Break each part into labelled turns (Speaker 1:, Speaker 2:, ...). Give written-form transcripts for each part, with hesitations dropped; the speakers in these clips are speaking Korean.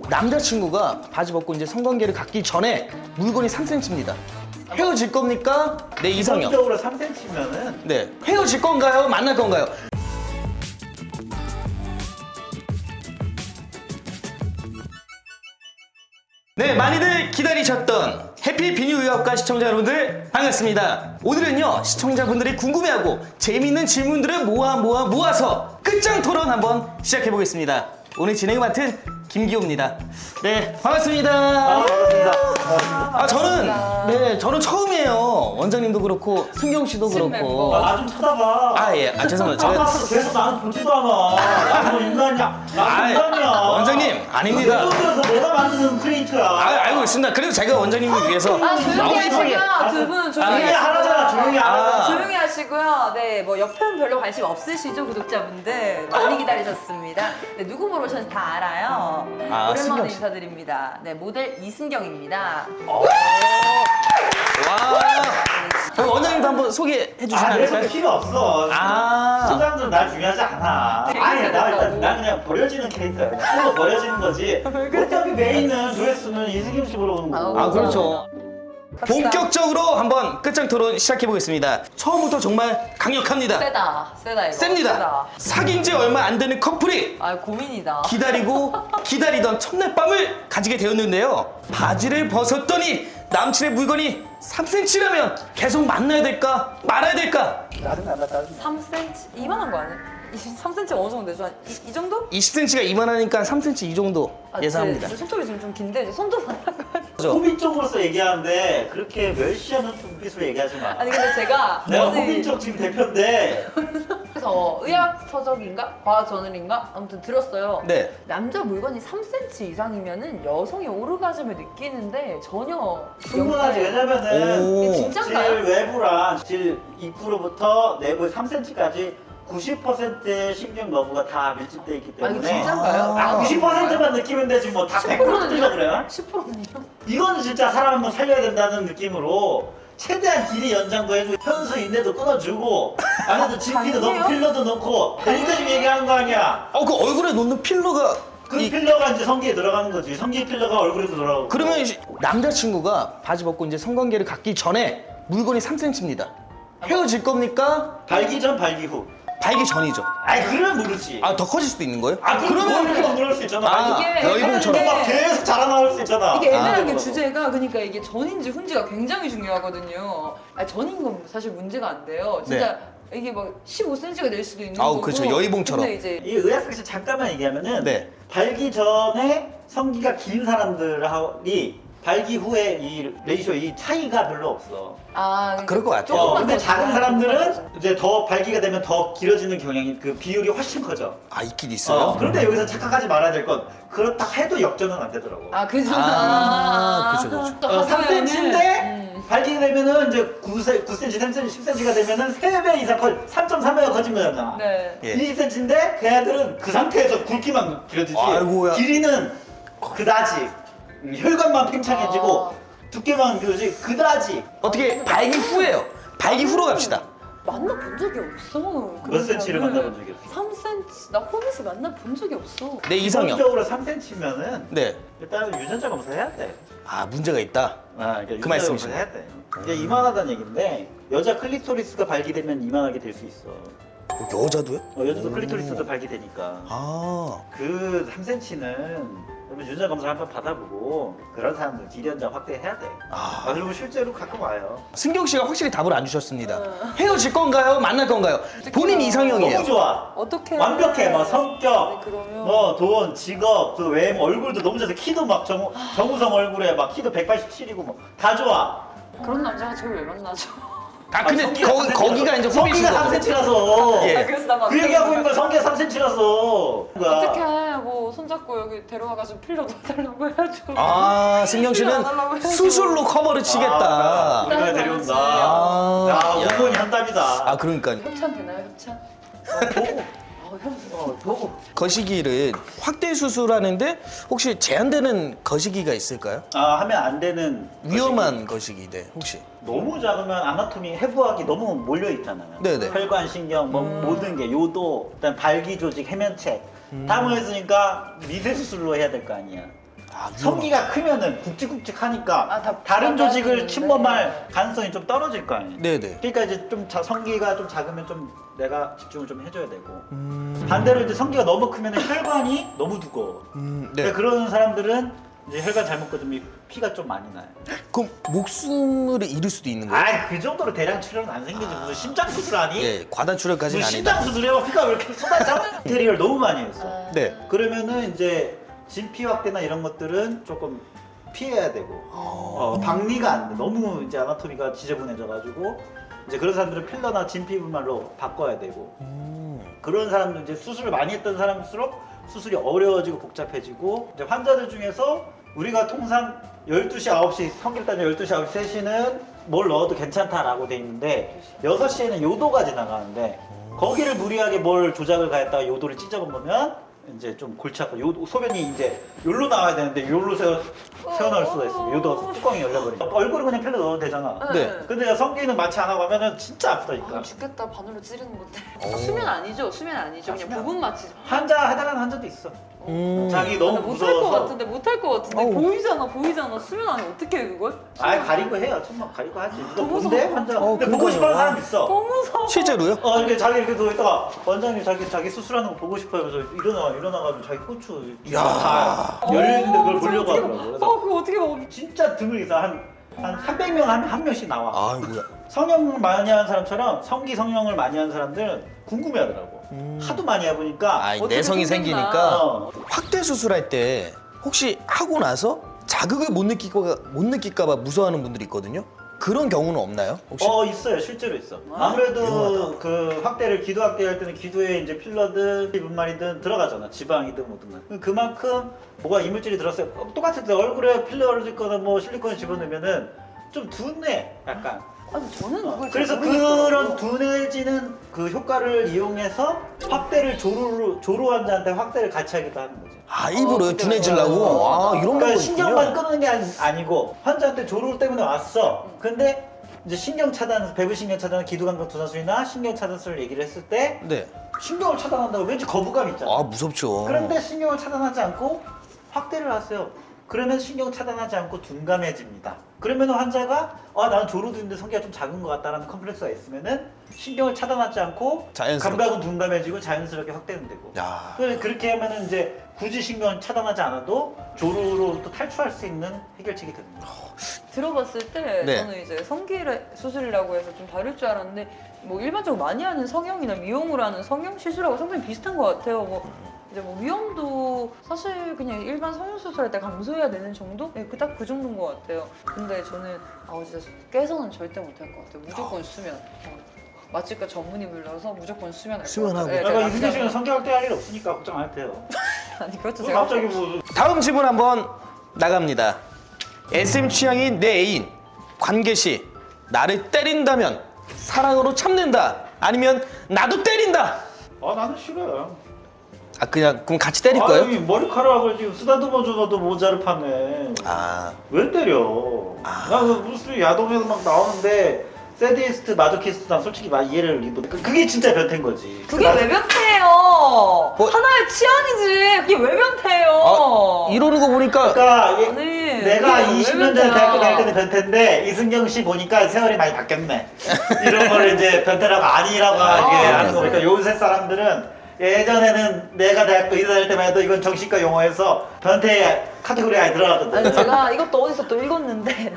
Speaker 1: 남자친구가 바지 벗고 이제 성관계를 갖기 전에 물건이 3cm입니다. 헤어질 겁니까? 네, 이상형.
Speaker 2: 기본적으로 3cm면은
Speaker 1: 네, 헤어질 건가요? 만날 건가요? 네, 많이들 기다리셨던 해피 비뉴의학과 시청자 여러분들 반갑습니다. 오늘은요, 시청자분들이 궁금해하고 재미있는 질문들을 모아서 끝장 토론 한번 시작해 보겠습니다. 오늘 진행을 맡은 김기호입니다. 네, 반갑습니다.
Speaker 2: 반갑습니다.
Speaker 1: 저는 처음이에요. 원장님도 그렇고 승경 씨도 그렇고.
Speaker 2: 나 좀 쳐다봐.
Speaker 1: 예, 죄송합니다.
Speaker 2: 아까
Speaker 1: 제가
Speaker 2: 계속 나는 보지도 않아. 나뭐 인간이야. 나 인간이야.
Speaker 1: 원장님 아닙니다.
Speaker 2: 그래서 내가 만드는 크리에이터야.
Speaker 1: 알고 있습니다. 그래서 제가 원장님을 위해서
Speaker 3: 조용히
Speaker 1: 너무
Speaker 3: 하시고요.
Speaker 1: 예쁘게-
Speaker 3: 두 분 조용히
Speaker 2: 조용히 하라잖아. 조용히 하라.
Speaker 3: 조용히 하시고요. 네, 뭐 옆편 별로 관심 없으시죠, 구독자분들? 많이 기다리셨습니다. 네, 누구 보러 오셨는지 다 알아요.
Speaker 1: 승경
Speaker 3: 오랜만에
Speaker 1: 씨.
Speaker 3: 인사드립니다. 네, 모델 이승경입니다.
Speaker 1: 그럼 원장님도 한번 소개해 주시면 안
Speaker 2: 그래서
Speaker 1: 될까요?
Speaker 2: 필요 없어. 시청자들은 날 중요하지 않아. 아니, 나 그냥 버려지는 캐릭터야. 그냥 풀로 버려지는 거지. 어차피 메인은 조회수는 이승김 씨 보러 오는 거고.
Speaker 1: 아, 그렇죠. 본격적으로 한번 끝장 토론 시작해 보겠습니다. 처음부터 정말 강력합니다.
Speaker 3: 세다 이거.
Speaker 1: 셉니다. 사귄 지 얼마 안 되는 커플이
Speaker 3: 아, 고민이다.
Speaker 1: 기다리던 첫날 밤을 가지게 되었는데요. 바지를 벗었더니 남친의 물건이 3cm라면 계속 만나야 될까 말아야 될까?
Speaker 2: 짜증나.
Speaker 3: 3cm? 이만한 거 아니야? 3cm 어느 정도 되죠? 이 정도?
Speaker 1: 20cm가 이만하니까 3cm 이 정도 예상합니다.
Speaker 3: 제 손톱이 지금 좀 긴데 이제 손톱 만난 거 아니야?
Speaker 2: 호빈 쪽으로서 얘기하는데 그렇게 멸시하는 눈빛으로 얘기하지 마.
Speaker 3: 아니 근데 제가
Speaker 2: 내가
Speaker 3: 어제
Speaker 2: 호빈 쪽 지금 대표인데
Speaker 3: 그래서 의학 서적인가 과학 저널인가 아무튼 들었어요.
Speaker 1: 네.
Speaker 3: 남자 물건이 3cm 이상이면은 여성이 오르가즘을 느끼는데 전혀
Speaker 2: 충분하지. 왜냐면은
Speaker 1: 오.
Speaker 3: 이게
Speaker 2: 질
Speaker 3: 진짠가요?
Speaker 2: 외부랑 질 입구로부터 내부 3cm까지 90%의 신경 너브가 다 밀집돼 있기
Speaker 3: 아 이거
Speaker 2: 때문에
Speaker 3: 진짠가요?
Speaker 1: 아,
Speaker 2: 90%만 느끼면 되지 뭐 다 100% 뜨려 그래?
Speaker 3: 10%는요?
Speaker 2: 이거는 진짜 사람 한번 살려야 된다는 느낌으로 최대한 길이 연장도 해주고 현수 인대도 끊어주고 안에도 진피도 넣고
Speaker 3: 아니에요?
Speaker 2: 필러도 넣고 그러니까 지금 얘기하는 거 아니야.
Speaker 1: 그 얼굴에 놓는 필러가
Speaker 2: 그 필러가 이제 성기에 들어가는 거지. 성기 필러가 얼굴에도 들어가고.
Speaker 1: 그러면 남자친구가 바지 벗고 이제 성관계를 갖기 전에 물건이 3cm입니다. 헤어질 겁니까?
Speaker 2: 발기 전 발기 후.
Speaker 1: 발기 전이죠.
Speaker 2: 아니 그러면 모르지.
Speaker 1: 더 커질 수도 있는 거예요?
Speaker 2: 그러면 그럴 수 있잖아.
Speaker 1: 아,
Speaker 2: 발기
Speaker 3: 이게
Speaker 1: 여의봉처럼.
Speaker 2: 막 계속 자라나올 수 있잖아.
Speaker 3: 이게 애매한 게
Speaker 2: 그러고.
Speaker 3: 주제가 그러니까 이게 전인지 훈지가 굉장히 중요하거든요. 아니, 전인 건 사실 문제가 안 돼요. 진짜 이게 막 15cm가 될 수도 있는 거고.
Speaker 1: 그렇죠. 여의봉처럼.
Speaker 3: 근데 이제
Speaker 2: 이 의학적에서 잠깐만 얘기하면은
Speaker 1: 네.
Speaker 2: 발기 전에 성기가 긴 사람들이 발기 후에 이 레이쇼 이 차이가 별로 없어.
Speaker 1: 그럴 것 같아요.
Speaker 3: 조금만
Speaker 2: 근데
Speaker 3: 더
Speaker 2: 작은
Speaker 3: 작아요.
Speaker 2: 사람들은 이제 더 발기가 되면 더 길어지는 경향이 그 비율이 훨씬 커져.
Speaker 1: 있긴 있어요.
Speaker 2: 그런데 여기서 착각하지 말아야 될 건 그렇다 해도 역전은 안 되더라고.
Speaker 3: 그죠.
Speaker 1: 그죠.
Speaker 2: 3cm인데 발기 되면은 이제 9cm, 3cm, 10cm가 되면은 3배 이상 3.3배가 커진 거잖아.
Speaker 3: 네.
Speaker 1: 예.
Speaker 2: 20cm인데 그 애들은 그 상태에서 굵기만 길어지지.
Speaker 1: 아이고야.
Speaker 2: 길이는 그다지. 혈관만 팽창해지고
Speaker 3: 아.
Speaker 2: 두께만 길어지 그다지.
Speaker 1: 어떻게 발기 후예요. 발기 후로 갑시다.
Speaker 3: 만나본 적이 없어.
Speaker 2: 몇 cm를 만나본 적이 없어?
Speaker 3: 3cm. 나 호빗을 만나본 적이 없어.
Speaker 1: 네, 이상형.
Speaker 2: 기본적으로 3cm면은
Speaker 1: 네.
Speaker 2: 일단은 유전자 검사해야 돼.
Speaker 1: 문제가 있다.
Speaker 2: 그러니까
Speaker 1: 그
Speaker 2: 유전자
Speaker 1: 말씀이시네.
Speaker 2: 검사해야 돼. 이게 이만하다는 얘기인데 여자 클리토리스가 발기되면 이만하게 될 수 있어.
Speaker 1: 여자도요?
Speaker 2: 여자도 클리토리스도 발기되니까. 그 3cm는 그러면 유전자 검사 한번 받아보고 그런 사람들 기련자 확대해야 돼. 그리고 실제로 가끔 와요.
Speaker 1: 승경 씨가 확실히 답을 안 주셨습니다. 헤어질 건가요? 만날 건가요? 본인 이상형이에요.
Speaker 2: 너무 좋아.
Speaker 3: 어떻게?
Speaker 2: 완벽해. 막 성격,
Speaker 3: 네, 그러면
Speaker 2: 뭐 돈, 직업, 그 외모, 얼굴도 너무 좋아서 키도 막 정우성 얼굴에 막 키도 187이고 뭐 다 좋아.
Speaker 3: 그런 남자가 저를 왜 만나죠?
Speaker 1: 근데 거기가 이제
Speaker 2: 성기가
Speaker 1: 호빗인
Speaker 2: 3cm라서.
Speaker 1: 예.
Speaker 3: 그래서 나
Speaker 2: 그 얘기하고 있는 거야. 성기가 3cm라서.
Speaker 3: 어떻게 뭐 손잡고 여기 데려와가지고 필러 넣어달라고 해가지고.
Speaker 1: 승경 씨는
Speaker 3: 안 하려고 해가지고.
Speaker 1: 수술로 커버를 치겠다.
Speaker 2: 우리가 데려온다.
Speaker 1: 아.
Speaker 2: 야, 온건이 한답이다.
Speaker 1: 그러니까
Speaker 3: 협찬 되나요, 협찬?
Speaker 2: 보고.
Speaker 1: 거시기를 확대 수술하는데 혹시 제한되는 거시기가 있을까요?
Speaker 2: 하면 안 되는.
Speaker 1: 위험한 거시기인데 혹시?
Speaker 2: 너무 작으면 아나토미 해부학이 너무 몰려 있잖아요.
Speaker 1: 네네.
Speaker 2: 혈관, 신경, 뭐 모든 게 요도, 그다음 발기 조직, 해면체 다 모였으니까 미세 수술로 해야 될 거 아니야. 성기가 크면은 굵직굵직하니까
Speaker 3: 아, 다
Speaker 2: 다른
Speaker 3: 받아야
Speaker 2: 조직을
Speaker 3: 되는데.
Speaker 2: 침범할 가능성이 좀 떨어질 거 아니에요.
Speaker 1: 네네.
Speaker 2: 그러니까 이제 좀 성기가 좀 작으면 좀 내가 집중을 좀 해줘야 되고 반대로 이제 성기가 너무 크면 혈관이 너무 두꺼워.
Speaker 1: 네.
Speaker 2: 그러니까 그런 사람들은 이제 혈관 잘못 꺼지면 피가 좀 많이 나요.
Speaker 1: 그럼 목숨을 잃을 수도 있는 거예요?
Speaker 2: 아, 그 정도로 대량 출혈은 안 생기지. 무슨 심장 수술하니?
Speaker 1: 예, 과다 출혈까지는
Speaker 2: 무슨
Speaker 1: 아니다.
Speaker 2: 심장 수술해봐 피가 왜 이렇게 쏟아져? 테리얼 너무 많이 했어.
Speaker 1: 네.
Speaker 2: 그러면은 이제 진피 확대나 이런 것들은 조금 피해야 되고 박리가 안 돼. 너무 이제 아나토미가 지저분해져가지고 이제 그런 사람들은 필러나 진피 분말로 바꿔야 되고 그런 사람들 이제 수술을 많이 했던 사람일수록 수술이 어려워지고 복잡해지고 이제 환자들 중에서 우리가 통상 12시, 9시 성기를 따지면 12시, 9시, 3시는 뭘 넣어도 괜찮다라고 돼 있는데 6시에는 요도가 지나가는데 거기를 무리하게 뭘 조작을 가했다가 요도를 찢어먹으면 이제 좀 골치 아파. 소변이 이제 요로 나와야 되는데 요로 새어나올 수가 있어요. 요도가 뚜껑이 열려버리니까 얼굴은 그냥 필러 넣어도 되잖아.
Speaker 1: 네.
Speaker 2: 근데 성기는 마취 안 하고 하면은 진짜 아프다니까.
Speaker 3: 아, 죽겠다. 바늘로 찌르는 건데. 수면 아니죠? 수면 아니죠? 그냥
Speaker 2: 수면
Speaker 3: 부분 마취.
Speaker 2: 환자 해당하는 환자도 있어. 자기 너무
Speaker 3: 못할 것
Speaker 2: 무서워서.
Speaker 3: 같은데 못할 것 같은데
Speaker 1: 어우.
Speaker 3: 보이잖아. 수면 안에 어떻게 해 그걸?
Speaker 2: 아 가리고 해요. 정말 가리고 하지. 이거
Speaker 3: 너무
Speaker 2: 본데
Speaker 3: 무서워.
Speaker 2: 환자. 근데
Speaker 1: 그러니까요.
Speaker 2: 보고 싶어하는 사람 있어.
Speaker 3: 너무 무서워.
Speaker 1: 실제로요?
Speaker 2: 이렇게 자기 이렇게 누워 있다가 원장님 자기 수술하는 거 보고 싶어요. 그래서 일어나가지고 자기 고추 다 열려 있는데 그걸 보려고 하더라고. 그래서
Speaker 3: 그거 어떻게 먹어?
Speaker 2: 진짜 드물게 한 300명 한 명씩 나와.
Speaker 1: 아이고야.
Speaker 2: 성형 많이 하는 사람처럼 성기 성형을 많이 하는 사람들은 궁금해하더라고. 하도 많이 해보니까.
Speaker 1: 아,
Speaker 3: 어떻게
Speaker 1: 내성이
Speaker 3: 생겼나.
Speaker 1: 생기니까
Speaker 2: 어.
Speaker 1: 확대 수술할 때 혹시 하고 나서 자극을 못 느낄까봐 무서워하는 분들이 있거든요. 그런 경우는 없나요? 혹시?
Speaker 2: 있어요. 실제로 있어.
Speaker 3: 아,
Speaker 2: 아무래도
Speaker 1: 위험하다.
Speaker 2: 그 확대를 기도 확대할 때는 기도에 이제 필러든 분말이든 들어가잖아. 지방이든 뭐든. 그만큼 뭐가 이물질이 들었어요. 똑같은데 얼굴에 필러를 짓거나 뭐 실리콘을 집어넣으면은 좀 둔해. 약간.
Speaker 3: 아니 저는 그걸
Speaker 2: 그래서
Speaker 3: 잘 모르겠더라고요.
Speaker 2: 그런 둔해지는 그 효과를 이용해서 확대를 조로 환자한테 확대를 같이 하기도 하는 거지.
Speaker 1: 아, 일부러
Speaker 3: 그때
Speaker 1: 둔해지려고? 아, 이런
Speaker 2: 그러니까
Speaker 1: 방법이
Speaker 2: 신경만
Speaker 1: 있군요.
Speaker 2: 끊는 게 아니고 환자한테 조루 때문에 왔어. 근데 이제 신경 차단, 배부 신경 차단, 기두강경 투사술이나 신경 차단술을 얘기를 했을 때
Speaker 1: 네.
Speaker 2: 신경을 차단한다고 왠지 거부감 있잖아.
Speaker 1: 아, 무섭죠.
Speaker 2: 그런데 신경을 차단하지 않고 확대를 하세요. 그러면 신경 차단하지 않고 둔감해집니다. 그러면 환자가 나는 조루두인데 성기가 좀 작은 것 같다라는 컴플렉스가 있으면은 신경을 차단하지 않고
Speaker 1: 자연스럽게.
Speaker 2: 감각은 둔감해지고 자연스럽게 확대는 되고.
Speaker 1: 야.
Speaker 2: 그렇게 하면은 이제 굳이 신경을 차단하지 않아도 조루로부터 탈출할 수 있는 해결책이 됩니다.
Speaker 3: 들어봤을 때
Speaker 1: 네.
Speaker 3: 저는 이제 성기 수술이라고 해서 좀 다를 줄 알았는데 뭐 일반적으로 많이 하는 성형이나 미용을 하는 성형 시술하고 상당히 비슷한 것 같아요. 이제 뭐 위험도 사실 그냥 일반 성형 수술할 때 감소해야 되는 정도? 네, 딱 그 정도인 것 같아요. 근데 저는 진짜 깨서는 절대 못할 것 같아요. 무조건 수면. 마취과 전문의 불러서 무조건 수면할 것
Speaker 1: 수면하고.
Speaker 3: 같아요. 네,
Speaker 2: 그러니까
Speaker 3: 제가
Speaker 2: 이승재 씨는
Speaker 3: 남자는-
Speaker 2: 성격 확대할 일 없으니까 걱정 안 해도 돼요.
Speaker 3: 아니 그것도
Speaker 2: 왜
Speaker 3: 제가
Speaker 2: 갑자기 뭐
Speaker 1: 다음 질문 한번 나갑니다. SM 취향인 내 애인 관계 시 나를 때린다면 사랑으로 참는다. 아니면 나도 때린다.
Speaker 2: 나는 싫어요.
Speaker 1: 아, 그럼 같이 때릴 거예요?
Speaker 2: 아니, 머리카락을 지금 쓰다듬어 줘도 모자를 파네.
Speaker 1: 아,
Speaker 2: 왜 때려? 나 그 무슨 야동에서 막 나오는데 세디스트, 마조키스트 난 솔직히 막 이해를 그게 진짜 변태인 거지.
Speaker 3: 그게 왜 변태예요? 하나의 취향이지. 그게 왜 변태예요?
Speaker 1: 이러는 거 보니까
Speaker 2: 그러니까
Speaker 3: 아니,
Speaker 2: 내가
Speaker 3: 그게 왜
Speaker 2: 20년 전에
Speaker 3: 변태야?
Speaker 2: 대학교 다닐 때는 변태인데 이승경 씨 보니까 세월이 많이 바뀌었네. 이런 거를 이제 변태라고 아니라고 이게 하는 거 보니까 요새 사람들은 예전에는 내가 대학교 이사 다닐 때만 해도 이건 정신과 용어에서 변태 카테고리에 아예 들어갔거든.
Speaker 3: 아니 제가 이것도 어디서 또 읽었는데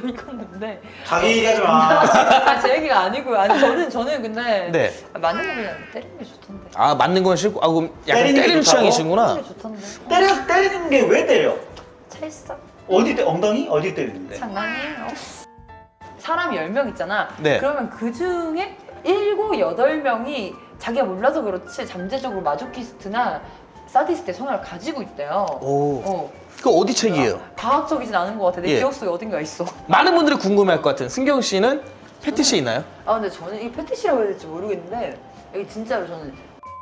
Speaker 2: 자기 얘기하지 마.
Speaker 3: 제 얘기가 아니고요. 아니 저는 근데
Speaker 1: 네.
Speaker 3: 맞는 거 그냥 때리는 게 좋던데.
Speaker 1: 아, 맞는 건 싫고 그럼 약간
Speaker 2: 때리는 게
Speaker 1: 때리는
Speaker 2: 좋다고?
Speaker 1: 취향이시구나.
Speaker 3: 때리는 게 좋던데.
Speaker 2: 때리는 게 왜 때려?
Speaker 3: 찰싹.
Speaker 2: 엉덩이? 어디 때리는데?
Speaker 3: 장난이에요. 사람이 10명 있잖아.
Speaker 1: 네.
Speaker 3: 그러면 그 중에 7, 8명이 자기가 몰라서 그렇지 잠재적으로 마조키스트나 사디스트의 성향을 가지고 있대요.
Speaker 1: 오. 그 어디 책이에요?
Speaker 3: 과학적이진 않은 것 같아. 내
Speaker 1: 예.
Speaker 3: 기억 속에 어딘가 있어.
Speaker 1: 많은 분들이 궁금해할 것 같은 승경 씨는 패티시 있나요?
Speaker 3: 근데 저는 이 패티시라고 해야 될지 모르겠는데 여기 진짜로 저는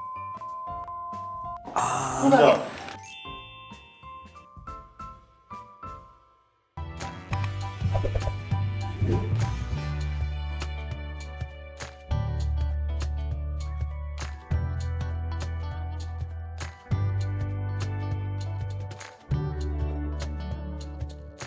Speaker 2: 진짜.